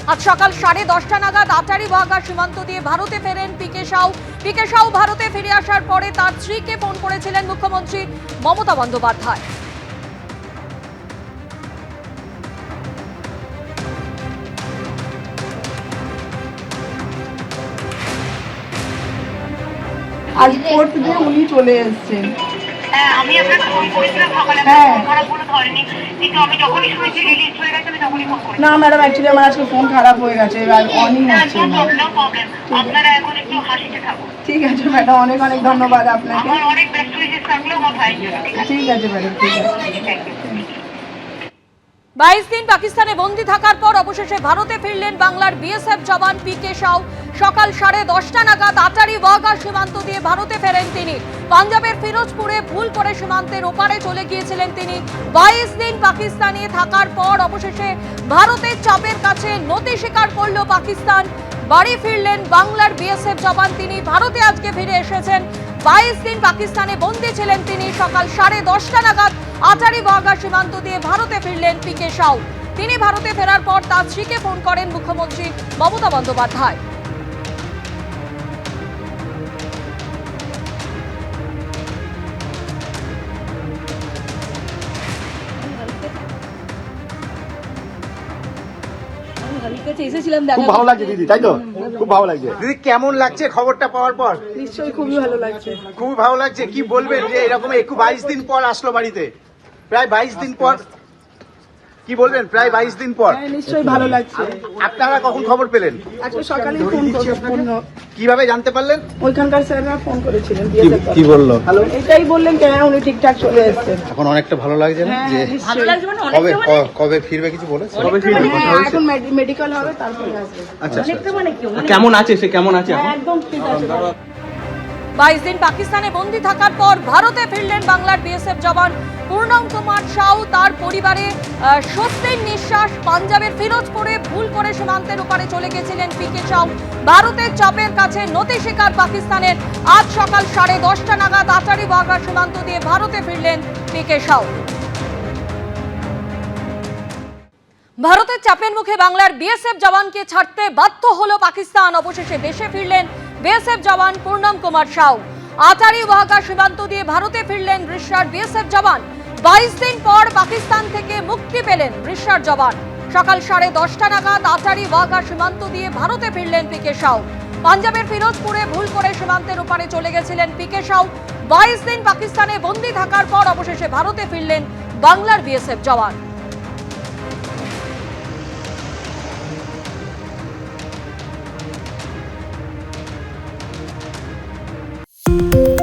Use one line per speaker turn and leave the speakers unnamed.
আজ সকাল 10:30 নাগাদ আটারি ওয়াঘা সীমান্ত দিয়ে ভারতে ফেরেন পিকে সাউ। পিকে সাউ ভারতে ফিরে আসার পরে তার স্ত্রীকে ফোন করেছিলেন মুখ্যমন্ত্রী মমতা বন্দ্যোপাধ্যায়।
আজ কোর্ট দিয়ে উনি চলে এসেছেন।
আমি আপনাকে ফোন করেছিলাম সকালে, খারাপগুলো ধরেনি, কিন্তু আমি যখনই শুনেছি রিলিজ হয়ে গেছে আমি তখনই ফোন করেছি।
না ম্যাডাম, অ্যাকচুয়ালি আমার আজকে ফোন খারাপ হয়ে গেছে, এবার অনই হচ্ছে না।
নো প্রবলেম, আপনারা এখন একটু হাসিতে থাকুন।
ঠিক আছে ম্যাডাম, অনেক অনেক ধন্যবাদ আপনাকে।
আমার অনেক বেস্ট উইশেস থাকলো আমার ভাইয়ের জন্য।
ঠিক আছে ম্যাডাম, ঠিক আছে।
Thank you.
22 দিন পাকিস্তানে বন্দী থাকার পর অবশেষে ভারতে ফিরলেন বাংলার বিএসএফ জওয়ান পিকে সাউ। সকাল 10:30 নাগাদ আটারি ওয়াঘা সীমান্ত দিয়ে ভারতে ফেরেন তিনি। পাঞ্জাবের ফিরোজপুরে ভুল করে সীমান্তের ওপারে চলে গিয়েছিলেন তিনি। 22 দিন পাকিস্তানে থাকার পর অবশেষে ভারতের চাপের কাছে নতি স্বীকার করল পাকিস্তান। বাড়ি ফিরলেন বাংলার বিএসএফ জওয়ান তিনি। ভারতে আজকে ফিরে এসেছেন। 22 দিন পাকিস্তানে বন্দী ছিলেন তিনি। সকাল 10:30 নাগাদ আটারি ওয়াঘা সীমান্ত দিয়ে ভারতে ফিরলেন পিকে সাউ। তিনি ভারতে ফেরার পর তার স্ত্রীকে ফোন করেন মুখ্যমন্ত্রী মমতা বন্দ্যোপাধ্যায়।
খুব ভালো লাগছে দিদি, তাই তো? খুব ভালো লাগছে
দিদি, কেমন লাগছে খবরটা পাওয়ার পর?
নিশ্চয়ই খুবই ভালো লাগছে।
খুবই ভালো লাগছে। কি বলবেন যে এরকম 22 দিন পর আসলো বাড়িতে, প্রায় 22 দিন পর, কি বলবেন প্রায় 22 দিন পর?
হ্যাঁ, নিশ্চয়ই ভালো লাগছে।
আপনারা কখন খবর পেলেন?
আজকে সকালেই ফোন করেছিলেন,
কিভাবে জানতে পারলেন?
ওইখানকার স্যাররা ফোন করেছিলেন।
কি বললো?
হ্যালো, এটাই বললেন যে হ্যাঁ উনি ঠিকঠাক চলে এসেছেন।
এখন অনেকটা ভালো লাগছে না
হ্যাঁ
যে
ভালো লাগছে।
কবে কবে ফিরবে কিছু বলেছে? কবে ফিরবে?
এখন মেডিকেল হবে, তারপরে আসবে।
আচ্ছা,
কেমন আছে সে, কেমন আছে
হ্যাঁ,
এখন?
একদম ঠিক আছে।
22 দিন পাকিস্তানে বন্দী থাকার পর ভারতে ফিরলেন বাংলার বিএসএফ জওয়ান পূর্ণম কুমার সাউ। তার পরিবারে স্বস্তির নিঃশ্বাস। পাঞ্জাবের ফিরোজপুরে ভুল করে সীমান্তের ওপারে চলে গেছিলেন পিকে সাউ। ভারতের চাপের কাছে নতি স্বীকার পাকিস্তানের। আজ সকাল 10:30 নাগাদ আটারি ওয়াঘা সীমান্ত দিয়ে ভারতে ফিরলেন পিকে সাউ। ভারতের চাপের মুখে বাংলার বিএসএফ জওয়ানকে ছাড়তে বাধ্য হলো পাকিস্তান। অবশেষে দেশে ফিরলেন বিএসএফ জওয়ান পূর্ণম কুমার সাউ। আটারি ওয়াঘা সীমান্ত দিয়ে ভারতে ফিরলেন রিশার বিএসএফ জওয়ান। 22 দিন পর পাকিস্তান থেকে মুক্তি পেলেন রিশার জওয়ান। সকাল 10:30 নাগাদ আটারি ওয়াঘা সীমান্ত দিয়ে ভারতে ফিরলেন পিকে সাউ। পাঞ্জাবের ফিরোজপুরে ভুল করে সীমান্তের ওপারে চলে গেছিলেন পিকে সাউ। 22 দিন পাকিস্তানে বন্দী থাকার পর অবশেষে ভারতে ফিরলেন বাংলার বিএসএফ জওয়ান।